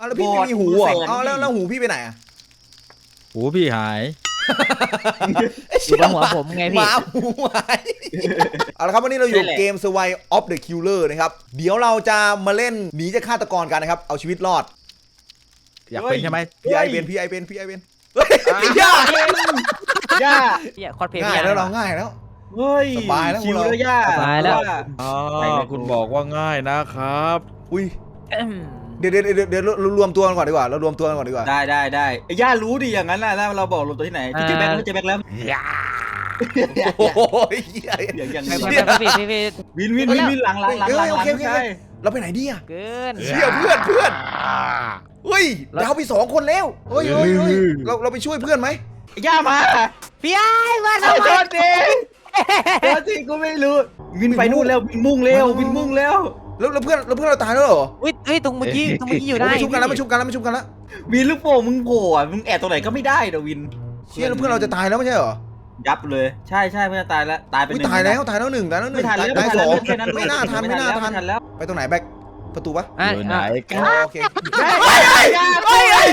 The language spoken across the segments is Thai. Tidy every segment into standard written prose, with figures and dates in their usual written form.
แล้วพี่ไม่มีหูอ่ะแล้วหูพี่ไปไหนอ่ะหูพี่หายอยู่บนหัวผมไงหพี่มาหูหายเอาละครับวันนี้เราอยู่เกม Survive of the Killer นะครับเดี๋ยวเราจะมาเล่นหนีจากฆาตกรกันนะครับเอาชีวิตรอดอยากเป็นใช่ไหมพี่ไอเป็นเฮ้ยพี่ย่าย่าเนี่ยคอสเพลย์ง่ายแล้วเราง่ายแล้วเฮ้ยสบายแล้วชิวแล้วย่าสบายแล้วคุณบอกว่าง่ายนะครับอุ้ยเดี๋ยวรวมตัวกันก่อนดีกว่าเรารวมตัวกันก่อนดีกว่าได้ไอ้ย่ารู้ดิอย่างนั้นน่ะแล้วเราบอกลงตัวที่ไหนเจอแบ็คแล้วเจอแบ็คแล้วโอ้ยอย่างไม่นี้ไม่พี่วินหลังโอเคเราไปไหนดีอ่ะเกินเชี่ยเพื่อนเฮ้ยดาวไป2 คนแล้วเฮ้ยเราไปช่วยเพื่อนไหมไอ้ย่ามาพี่ไอ้มาโทษทีกูไม่รู้วินไปนู่นแล้ววินมุ่งแล้วแล้วเพื่อนเราตายแล้วเหรอเฮ้ยตรงเมื่อกี้อยู่ได้ไม่ชุบกันแล้ววินลูกโป่งมึงโผล่มึงแอบตรงไหนก็ไม่ได้เดี๋ยววินเชี่ยแล้วเพื่อนเราจะตายแล้วไม่ใช่เหรอยับเลยใช่เพื่อนตายแล้วตายไปตายแล้ว1ตายแล้วไม่ทันแล้วตายแค่นั้น 2ไม่น่าทันแล้วไปตรงไหนแบ็คประตูปะอยู่ไหนกันโอเคเฮ้ย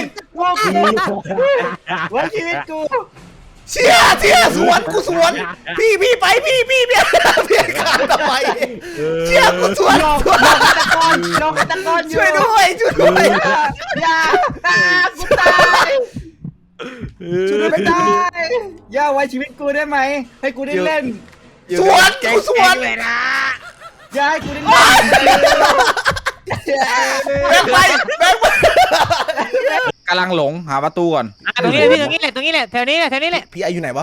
ว่าชีวิตกูเชี่ยสวนพี่ไปพี่ขาดทำไมเชี่ยกูสวนลองฆาตกรอยู่ช่วยด้วยอย่ากูตายช่วยไม่ได้อย่าไว้ชีวิตกูได้ไหมให้กูได้เล่นสวนเลยนะอย่าให้กูได้เล่นแบ็คไปกำลังหลงหาประตูก่อนตรงนี้พี่ตรงนี้แหละแถวนี้แหละพี่ไออยู่ไหนวะ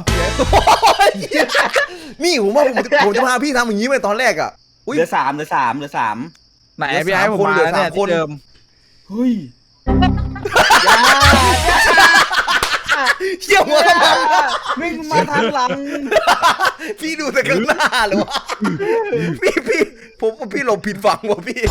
นี่ผมว่าผมจะพาพี่ทำอย่างนี้ไปตอนแรกอ่ะเหลือสามไหนพี่ไอ้ผมมาแล้วเนี่ยที่เดิมเฮ้ยเชี่ยวหัวกระมังวิ่งมาทางหลังพี่ดูแต่ข้างหน้าเลยวะพี่หลบผิดฝั่งวะพี่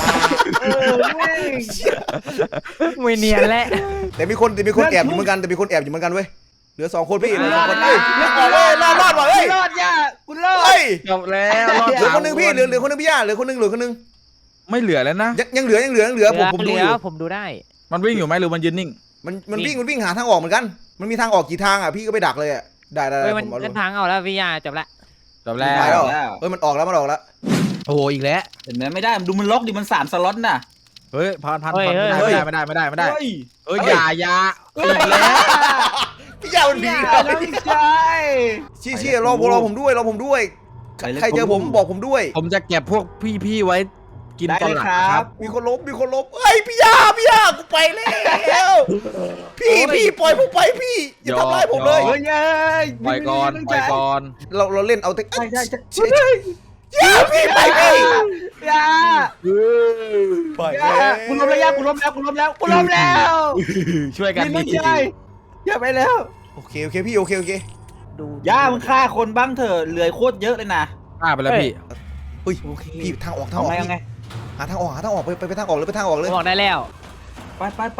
ไม่เนียนแล้วแต่มีคนแอบอยู่เหมือนกันเว้ยเหลือ2 คนพี่เหลือ2 คนรอดว่ะเฮ้ยรอดย่าคุณรอดเฮ้ยจบแล้วรอดเหลือคนนึงพี่เหลือคนนึงพี่ย่าเหลือคนนึงไม่เหลือแล้วนะยังเหลือผมดูอยู่ผมดูได้มันวิ่งอยู่ไหมหรือมันยืนนิ่งมันวิ่งหาทางออกเหมือนกันมันมีทางออกกี่ทางอ่ะพี่ก็ไปดักเลยอ่ะได้เฮ้ยมันผมเอาลงทางเอาแล้วพี่ยาจบละจบแล้ไปแล้ววมันออกแล้วโอ้โหอีกแล้วเห็นไหมไม่ได้ดูมันล็อกดิมัน3 สล็อตน่ะเฮ้ยพันไม่ได้เฮ้ยอย่าอีกแล้วพี่ย่ามันดีแล้วใช่ชี้รอผมด้วยใครเจอผมบอกผมด้วยผมจะเก็บพวกพี่ๆไว้กินตอนหลังครับมีคนลบเฮ้ยพี่ย่ากูไปแล้วพี่ปล่อยผมไปพี่อย่าทำร้ายผมเลยเฮ้ยปล่อยก่อนเราเล่นเอาแต่ใช่ย่าพี่ไปพี่ย่าไปกูล้มแล้วย่ากูล้มแล้วช่วยกันไม่ใช่อย่าไปแล้วโอเคพี่โอเคดูย่ามึงฆ่าคนบ้างเถอะเหลือโคตรเยอะเลยนะฆ่าไปแล้วพี่เฮ้ยพี่ทางออกหาทางออกไปทางออกเลยบอกได้แล้วไป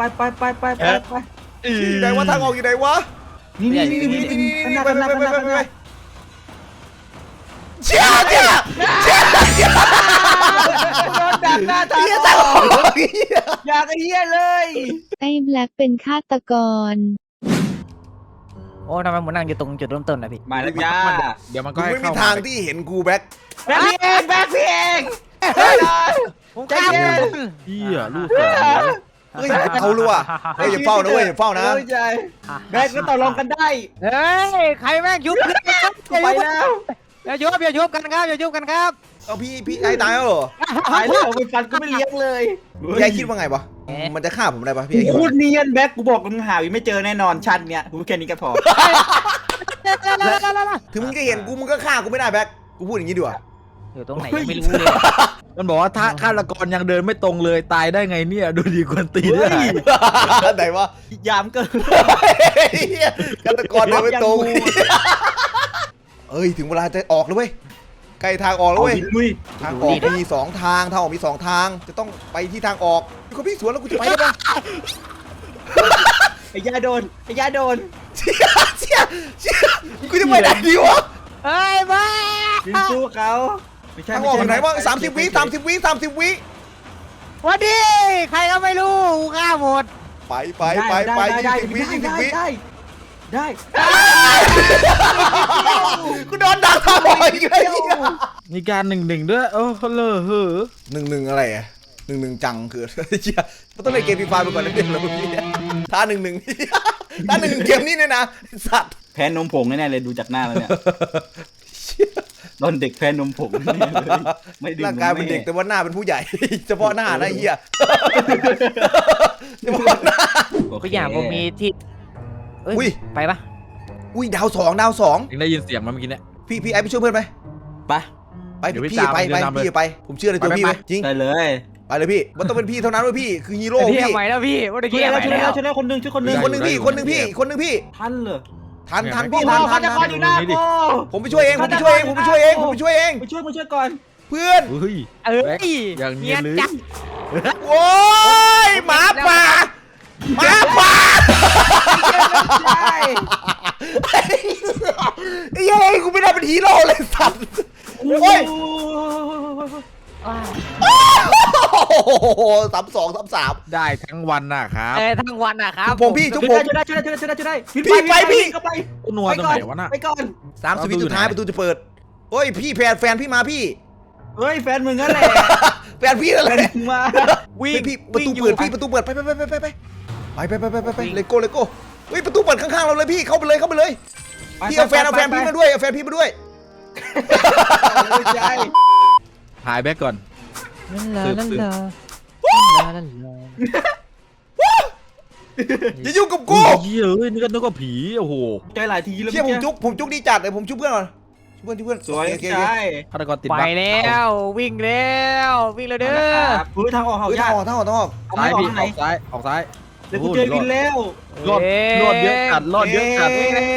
อยู่ไหนวะทางออกอยู่ไหนวะนี่ไปเชี่ยโดนดักหน้าทางอยากไอ้เหี้ยเลยไอ้แบล็คเป็นฆาตกรโอ้ทำไมผมนั่งอยู่ตรงจุดเริ่มต้นนะพี่มาแล้วย่าเดี๋ยวมันก็กูให้ไม่มีเข้าทางที่เห็นกูแบ็คแบ็คพี่เองผมกล้าพี่อะลูกเฮ้ยเขารู้อ่ะเฮ้ยอย่าเฝ้านะแบ็คก็ต่อรองกันได้เฮ้ยใครแม่งยุบไปแล้วอย่ายุบกันครับเอาพี่ไอ้ตายแล้วเหรอตายแล้วไปฟันก็ไม่เลี้ยงเลยพี่ไอ้คิดว่าไงวะมันจะฆ่าผมได้ปะพี่ไอ้คิดพูว่าดเนียนแบ็คกูบอกมึงหาไม่เจอแน่นอนชันเนี่ยกูแค่นี้ก็พอถึงมึงจะเห็นกูมึงก็ฆ่ากูไม่ได้แบ็คกูพูดอย่างนี้ดีกว่าอยู่ตรงไหนไม่รู้เลยมันบอกว่าถ้าฆาตกรยังเดินไม่ตรงเลยตายได้ไงเนี่ยดูดีกวนตีได้ไหนวะยามเกินฆาตกรเดินไม่ตรงเอ้ยถึงเวลาจะออกแล้วเว้ยใกล้ทางออกแล้วเว้ยทางออกมี2 ทางจะต้องไปที่ทางออกเขาพี่สวนแล้วกูจะไปได้ปะไอ้ยาโดนเชี่ยกูจะไปไหนดีวะเฮ้ยบ้ายิงสู้เขาทางออกไหนวะ30 วิวันดีใครก็ไม่รู้ฆ่าหมดไป20 วิได้กูโดนดักทำบ่อยอีกแล้วมีการ1-1ด้วยโอ้เลอะเหอะ 1-1อะไรอ่ะ1-1จังคือเชี่ยมันต้องเล่นเกมฟรีไฟไปก่อนนะเด็กแล้วพี่ถ้า1-1ถ้า1เกมนี้เนี่ยนะสัตว์แพ้นมผงแน่ๆเลยดูจากหน้าแล้วเนี่ยโดนเด็กแพ้นมผงแน่เลยไม่ดื่มร่างกายเป็นเด็กแต่ว่าหน้าเป็นผู้ใหญ่ เฉพาะหน้านะเฮียเฉพาะหน้าก็อย่างผมมีที่เอ้อุ้ยยไปปะอุ้ยดาวสองยังได้ยินเสียงมันเมื่อกี้เนี่ยพี่ไอ้ไปช่วยเพื่อนไหมไปไปเดี๋ยวพี่พี่ไปตามพี่ไปผมเชื่อในตัวไปพี่ไปไหมจริงได้เลยไปเลยพี่มันต้องเป็นพี่เท่านั้นเว้ยพี่คือฮีโร่พี่พี่ทำไมแล้วพี่ว่าตะช่วกี้ยทำไมแล้วแล้วคนหนึ่งช่วยคนหนึ่งคนหนึ่งพี่คนหนึ่งพี่ท่านเหรอทันเนี่ยพี่โอ้ทันฆาตกรอยู่หน้ากูผมไปช่วยเองผมไปช่วยเองมาช่วยก่อนเพื่อนเฮ้ยเอ้ยอย่างเนียนเลยจัดโอ้ยหมาป่าไอ้เย้ยกูไม่ได้เป็นฮีโร่เลยสัตว์โอ้ยว้าว 32 ได้ทั้งวันนะครับทั้งวันอะครับผมพี่ทุกผมช่วยได้พี่ไปพี่กูนัวตรงไหนวะน่ะไปก่อน 30 วิสุดท้ายประตูจะเปิดโอ้ยพี่แฟนพี่มาพี่เฮ้ยแฟนมึงนั่นแหละแฟนพี่นั่นแฟแหนละมึงมาวิ่งพี่ประตูเปิดพี่ประตูเปิดไปเลโก้เฮ้ยประตูเปิดข้างๆเราเลยพี่เข้าไปเลยพี่เอาแฟนพี่มาด้วยเอาแฟนพี่มาด้วยใจหายแบ็กก่อนนั่นเหรออย่ายุ่งกับกูเหี้ยเอ้ยนี่ก็นึกว่าผีโอ้โหใจหลายทีแล้วเชี่ยผมจุกดีจัดเลยผมจุกเพื่อนก่อนช่วยเพื่อนสวยโอเคใจฆาตกรติดไปบั๊กแล้ววิ่งแล้ววิ่งแล้วเด้อเฮ้ยทางออกเฮ้ยยากทางออกซ้ายออกพี่ทางไหนออกซ้ายเดี๋ยวกูเจอวินแล้วรอดเยอะจัดรอดเยอะจัด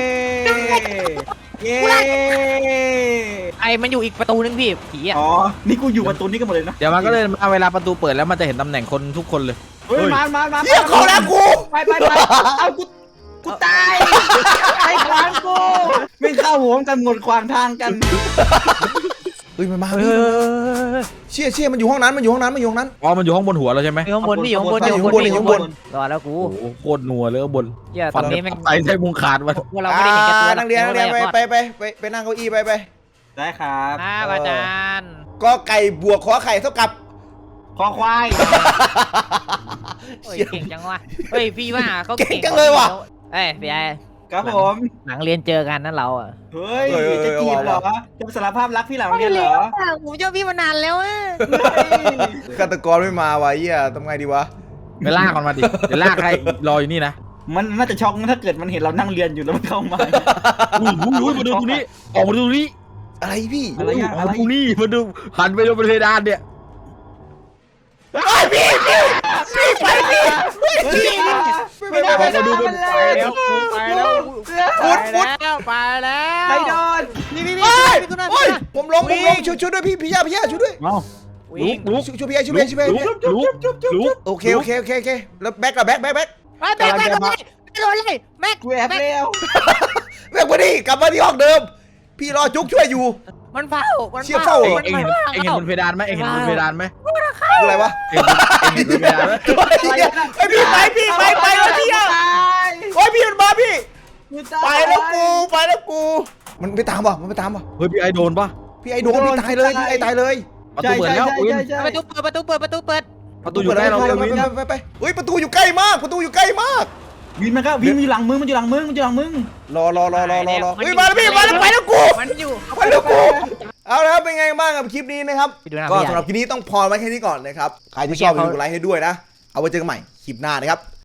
เย้ไอ้มันอยู่อีกประตูนึงพี่ผีอ่ะอ๋อนี่กูอยู่ประตูนี้กันหมดเลยนะเดี๋ยวมันก็เลยมาเวลาประตูเปิดแล้วมันจะเห็นตำแหน่งคนทุกคนเลยเฮ้ยมาเชี่ยเขาแล้วกูไปเอากูตายไอ้ขวางกูไม่เข้าหัวกันหมดขวางทางกันเฮ้ยมันมาเชี่ยมันอยู่ห้องนั้นอ๋อมันอยู่ห้องบนหัวเราใช่ไหมอยู่ข้างบนพี่อยู่ข้างบนอยู่ข้างบนรอแล้วกูโอ้โหโคตรนัวเลยข้างบนเหี้ยตอนนี้แม่งใส่ใส่มุงขาดมาพวกเราไม่ได้เห็นแก่ตัวนักเรียนไปนั่งเก้าอี้ไปได้ครับครับอาจารย์ก็ไก่บวกขอไข่เท่ากับคอควายโอ้ยเก่งจังวะเฮ้ยพี่ว่าเขาเอ้ยพี่ไอ้ครับผมหลังเรียนเจอกันนั่นเราอ่ะเฮ้ยจะจีบเหรอจะสารภาพรักพี่หลังเรียนเหรอผมเจอพี่มานานแล้วอ่ะฆาตกรไม่มาวะเหี้ยทำไงดีวะไปลากมันมาดิเดี๋ยวลากให้รออยู่นี่นะมันน่าจะช็อกถ้าเกิดมันเห็นเรานั่งเรียนอยู่แล้วมันเข้ามาอุ้ยมาดูตรงนี้ออกมาดูตรงนี้อะไรพี่อะไรอะมาดูนี่มาดูหันไปดูบนเพดานเนี่ยไม่ได้มาดูมันเลยไปแล้วไปแล้วไปโดนนี่เฮ้ยผมลงช่วยด้วยพี่ย่าช่วยด้วยเอ้าลุกช่วยพี่ย่าช่วยพี่ลุกโอเคแล้วแบ็คกับแบ็คแม็กโดนเลยแม็กกูแอบแล้วแบ็คมาดิกลับมาที่ห้องเดิม พี่รอจุกช่วยอยู่มันเฝ้าเชี่ยเฝ้าเอ็งเห็นบนเพดานไหมเอ็งเห็นบนเพดานไหมอะไรวะเอ็งเห็นบนเพดานไหมไอพี่ไปแล้วพี่อ่ะโอ้ยพี่มันมาพี่ไปแล้วกูมันไปตามป่ะเฮ้ยพี่ไอโดนปะพี่ไอโดนพี่ตายเลยพี่ไอตายเลยประตูเปิดแล้วอุ้ยประตูเปิดประตูอยู่ใกล้เราเลยไปเฮ้ยประตูอยู่ใกล้มากวินมันก็วินอยู่หลังมึงมันอยู่หลังมึงรอเฮ้ยมาแล้วพี่มาแล้วไปแล้วกูมันอยู่เอาละครับเป็นไงบ้างกับคลิปนี้นะครับก็สำหรับคลิปนี้ต้องพอไว้แค่นี้ก่อนนะครับใครที่ชอบอย่าลืมกดไลค์ให้ด้วยนะเอาไว้เจอกันใหม่คลิปหน้านะครับ